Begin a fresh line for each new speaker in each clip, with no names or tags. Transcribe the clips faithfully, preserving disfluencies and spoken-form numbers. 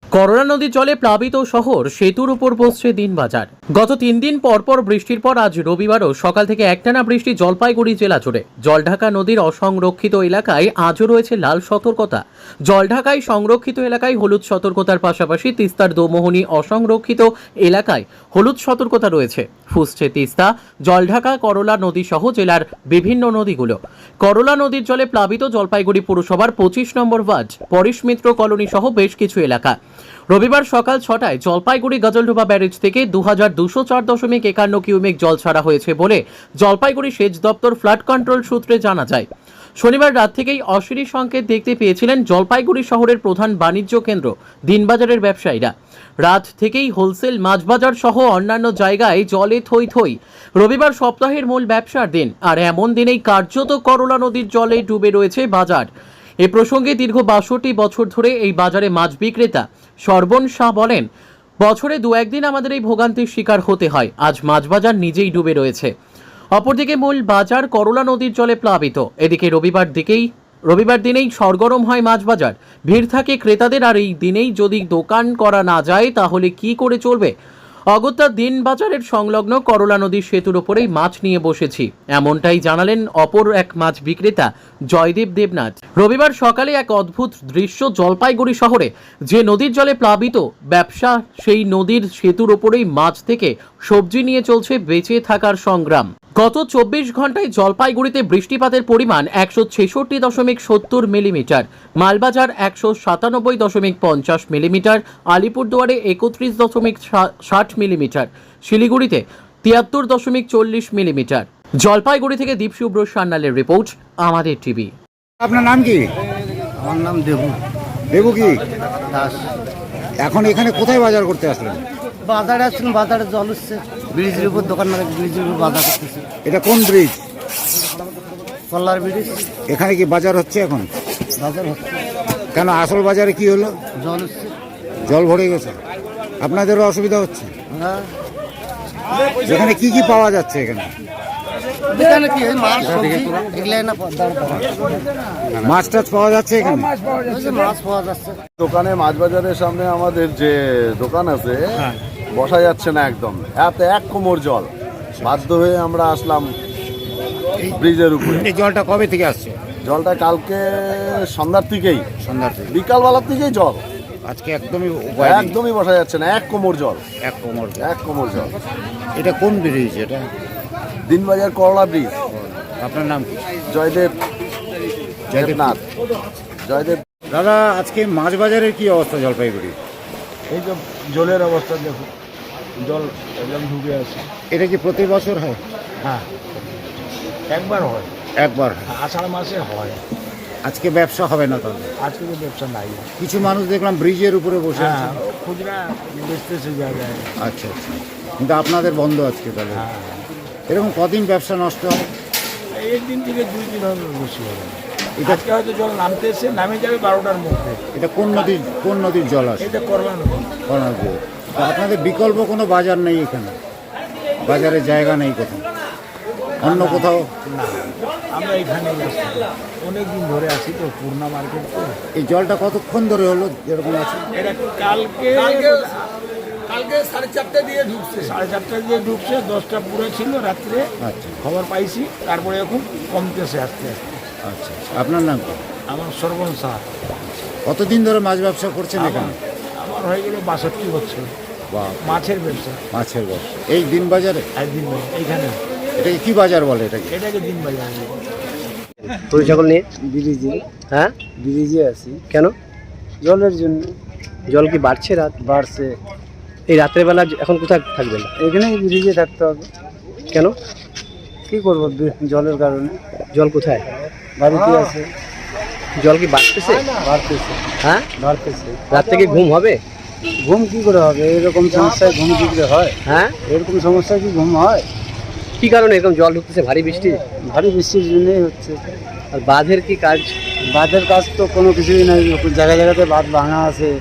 Corona নদীর জলে প্লাবিত শহর, সেতুর উপর বসছে দিনবাজার। গত তিন দিন পরপর বৃষ্টির পর আজ রবিবারও সকাল থেকে একটানা বৃষ্টি জলপাইগুড়ি জেলা জুড়ে। জলঢাকা নদীর অসংরক্ষিত এলাকায় আজও রয়েছে লাল সতর্কতা। জলঢাকায় সংরক্ষিত এলাকায় হলুদ সতর্কতার পাশাপাশি তিস্তার দোমোহনী অসংরক্ষিত এলাকায় হলুদ সতর্কতা রয়েছে। ফুসছে তিস্তা, জলঢাকা, করলা নদী সহ জেলার বিভিন্ন নদীগুলো। করলা নদীর জলে প্লাবিত জলপাইগুড়ি পুরসভার পঁচিশ নম্বর ওয়ার্ড, পরিশ মিত্র কলোনি সহ বেশ কিছু এলাকা। রবিবার সকাল ছটায় জলপাইগুড়ি গজলডোবা ব্যারেজ থেকে দু হাজার দুশো চার দশমিক একান্ন কিউমেক জল ছাড়া হয়েছে বলে জলপাইগুড়ি সেচ দপ্তর ফ্লাড কন্ট্রোল সূত্রে জানা যায়। শনিবার রাত থেকেই অশিরি সংকেত দেখতে পেয়েছিলেন জলপাইগুড়ি শহরের প্রধান বাণিজ্য কেন্দ্র দিনবাজারের ব্যবসায়ীরা। রাত থেকেই হোলসেল মাছবাজার সহ অন্যান্য জায়গায় জলে থই থই। রবিবার সপ্তাহের মূল ব্যবসার দিন, আর এমন দিনেই কার্যত করলা নদীর জলে ডুবে রয়েছে বাজার। এ প্রসঙ্গে দীর্ঘ বাষট্টি বছর ধরে এই বাজারে মাছ বিক্রেতা সর্বণ শাহ বলেন, বছরে দু একদিন আমাদের এই ভোগান্তির শিকার হতে হয়। আজ মাছ বাজার নিজেই ডুবে রয়েছে। অপরদিকে মূল বাজার করলা নদীর জলে প্লাবিত। এদিকে রবিবার দিকেই রবিবার দিনেই সরগরম হয় মাছ বাজার, ভিড় থাকে ক্রেতাদের। আর এই দিনেই যদি দোকান করা না যায় তাহলে কি করে চলবে? অগত্যা দিন বাজারের সংলগ্ন করলা নদীর সেতুর ওপরেই মাছ নিয়ে বসেছি, এমনটাই জানালেন অপর এক মাছ বিক্রেতা জয়দেব দেবনাথ। রবিবার সকালে এক অদ্ভুত দৃশ্য জলপাইগুড়ি শহরে, যে নদীর জলে প্লাবিত ব্যবসা, সেই নদীর সেতুর ওপরেই মাছ থেকে সবজি নিয়ে চলছে বেঁচে থাকার সংগ্রাম। গত চব্বিশ ঘন্টায় জলপাইগুড়িতে বৃষ্টিপাতের পরিমাণ একশো ছেষট্টি দশমিক সত্তর মিলিমিটার, মালবাজার একশো সাতানব্বই দশমিক পঞ্চাশ মিলিমিটার, আলিপুরদুয়ারে একত্রিশ দশমিক ষাট মিলিমিটার, শিলিগুড়িতে তিয়াত্তর দশমিক চল্লিশ মিলিমিটার। জলপাইগুড়ি থেকে দীপশুভ্র সান্যালের রিপোর্ট, আমাদের টিভি।
আপনার নাম কি?
আমার নাম দেবু
দেবু কি
দাস।
এখন এখানে কোথায় বাজার করতে আসলেন?
বাজারে আসছিলাম, বাজারে জল উঠছে, ব্রিজের উপর দোকান মানে ব্রিজের উপর বাজার করতেছে।
এটা কোন ব্রিজ?
কল্লার ব্রিজ।
এখানে কি বাজার হচ্ছে এখন?
বাজার হচ্ছে।
কেন, আসল বাজারে কি হলো?
জল উঠছে।
জল ভরে গেছে, আপনাদেরও অসুবিধা হচ্ছে?
হ্যাঁ।
এখানে কি কি পাওয়া যাচ্ছে? এখানে
এখানে কি হয়, মাছ সবজি এগুলাই না দাম পাওয়া।
মাছ টাছ পাওয়া যাচ্ছে এখানে?
ওই যে মাছ পাওয়া যাচ্ছে।
দোকানে মাছ বাজারের সামনে আমাদের যে দোকান আছে বসা যাচ্ছে না একদম, এত এক কোমর জল। বাধ্য হয়ে আমরা আসলাম ব্রিজের উপরে।
এই জলটা কবে থেকে আসছে?
জলটা কালকে সন্ধ্যার থেকেই,
সন্ধ্যার থেকে
বিকালবেলার থেকেই জল,
আজকে একদমই উপায় নেই।
একদমই বসা যাচ্ছে না, এক কোমর জল,
এক কোমর জল।
এক কোমর জল।
এটা কোন ব্রিজ? এটা
দিনবাজার করলা ব্রিজ।
আপনার নাম কি?
জয়দেব দেবনাথ। জয়দেব।
দাদা, আজকে মাছ বাজারের কি অবস্থা জলপাইগুড়ি?
এই যে জলের অবস্থা দেখো, জল একদম ঢুকে আছে।
এটা কি প্রতি বছর হয়?
হ্যাঁ, একবার হয়,
একবার হয়।
আষাঢ় মাসে হয়।
আজকে ব্যবসা হবে না তাহলে?
আজকে তো ব্যবসা নাই।
কিছু মানুষ দেখলাম ব্রিজের উপরে বসে আছে।
হ্যাঁ, খুচরা বেচতেছে জায়গায়।
আচ্ছা আচ্ছা, কিন্তু আপনাদের বন্ধ আজকে তাহলে?
হ্যাঁ,
এরকম কদিন ব্যবসা নষ্ট হয়?
একদিন থেকে দুই দিন হবে, বেশি হবে।
এটা
আজকে হয়তো জল নামতেছে, নামে যাবে বারোটার মধ্যে।
এটা কোন নদীর কোন নদীর জল আসে?
এটা করলা নদী।
করোনা দিয়ে। তো আপনাদের বিকল্প কোনো বাজার নেই এখানে? বাজারে জায়গা নেই কোথাও? অন্য কোথাও?
না, আমরা এখানে অনেক দিন ধরে আছি তো, পূর্ণা মার্কেট তো।
এই জলটা কতক্ষণ ধরে হলো এরকম আছে?
এটা কালকে কালকে সাড়ে চারটা দিয়ে ঢুকছে, সাড়ে চারটা দিয়ে ঢুকছে, দশটা পুরো ছিল রাত্রে।
আচ্ছা
খবর পাইছি, তারপরে এখন কমতেছে আস্তে আস্তে।
আচ্ছা আচ্ছা। আপনার নাম কি?
আমার সর্বন শাহ।
কতদিন ধরে মাছ ব্যবসা করছেন এখানে?
আমার হয়ে গেল বাষট্টি বছর।
বা
মাছের ব্যবসা,
মাছের ব্যবসা এই দিন বাজারে?
একদিন এইখানে
এটাকে কি বাজার বলে? এটাকে
এটাকে দিন বাজার।
গরু ছাগল নিয়ে
ব্রিজে।
হ্যাঁ,
ব্রিজে আছি
কেন?
জলের জন্য।
জল কি বাড়ছে? রাত
বাড়ছে।
এই রাত্রের বেলা এখন কোথায় থাকবেন?
এখানেই ব্রিজে থাকতে হবে।
কেন?
কি করবো, জলের কারণে।
জল কোথায়?
বাড়িতে আছে।
জল কি বাড়তেছে?
বাড়তেছে।
হ্যাঁ,
বাড়তেছে।
রাত থেকে ঘুম হবে?
ঘুম কি করে হবে? এরকম সমস্যায় ঘুম কি করে হয়?
হ্যাঁ,
এরকম সমস্যায় কি ঘুম হয়?
কি কারণে এরকম জল ঢুকতেছে? ভারী বৃষ্টি?
ভারী বৃষ্টির জন্যই হচ্ছে।
আর বাঁধের কি কাজ?
বাঁধের কাজ তো কোনো কিছুই নাই। জায়গায় জায়গাতে বাঁধ ভাঙা আছে,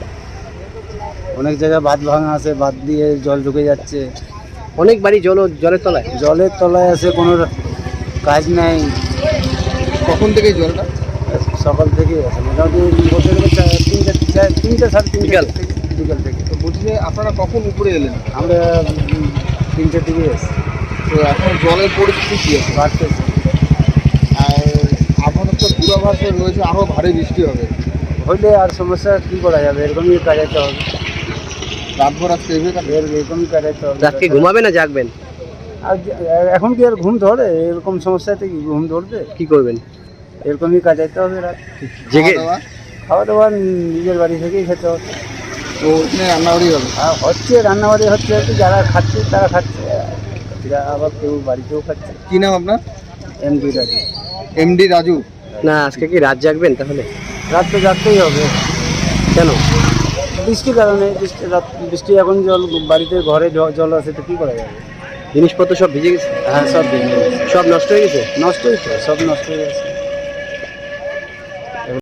অনেক জায়গায় বাঁধ ভাঙা আছে, বাঁধ দিয়ে জল ঢুকে যাচ্ছে।
অনেক বাড়ি জল জলের তলায়?
জলের তলায় আছে, কোনো কাজ নাই।
কখন থেকে জলটা?
সকাল থেকে আছে, মোটামুটি বছর তিন চার তিনটা তিনটা সাড়ে তিনটা
বিকাল?
থেকে বিকাল থেকে।
তো বলছি যে আপনারা কখন উপরে এলেন?
আমরা উম, তিনটে দিকে এসছি,
তো এখন জলের পরিস্থিতি কি আছে?
বাড়তেছে।
আর আপনাদের তো পূর্বাভাস রয়েছে আরও ভারী বৃষ্টি হবে।
হইলে আর সমস্যা কী করা যাবে, এরকমই কাটাইতে হবে,
রাতভর আজকে এভাবে কাটবে।
এর এরকমই কাটাইতে হবে।
রাতকে ঘুমাবে না জাগবেন?
আর যে- এখন কি আর ঘুম ধরে? এরকম সমস্যাতে কি ঘুম ধরবে?
কি করবেন?
এরকমই কাটাইতে হবে রাত।
জেগে
খাওয়া দাওয়া?
খাওয়া দাওয়া নিজের বাড়ি থেকেই খেতে হবে।
তো ওখানে রান্নাবাড়ি হবে।
আর হচ্ছে রান্নাবাড়ি হচ্ছে, হচ্ছে যারা খাচ্ছে তারা খাচ্ছে, এরা আবার কেউ বাড়িতেও খাচ্ছে।
কি নাম আপনার?
এমডি রাজি।
এমডি রাজু।
না আজকে কি রাত জাগবেন তাহলে?
রাত তো যাতেই হবে,
কেন?
বৃষ্টির কারণে। বৃষ্টি রাত বৃষ্টি এখন জল বাড়িতে ঘরে জ- জল আছে, তো কী করা যাবে?
জিনিসপত্র সব ভিজে গেছে?
হ্যাঁ, সব ভেঙে গেছে।
সব নষ্ট হয়ে গেছে?
নষ্টই তো, সব নষ্ট হয়ে গেছে।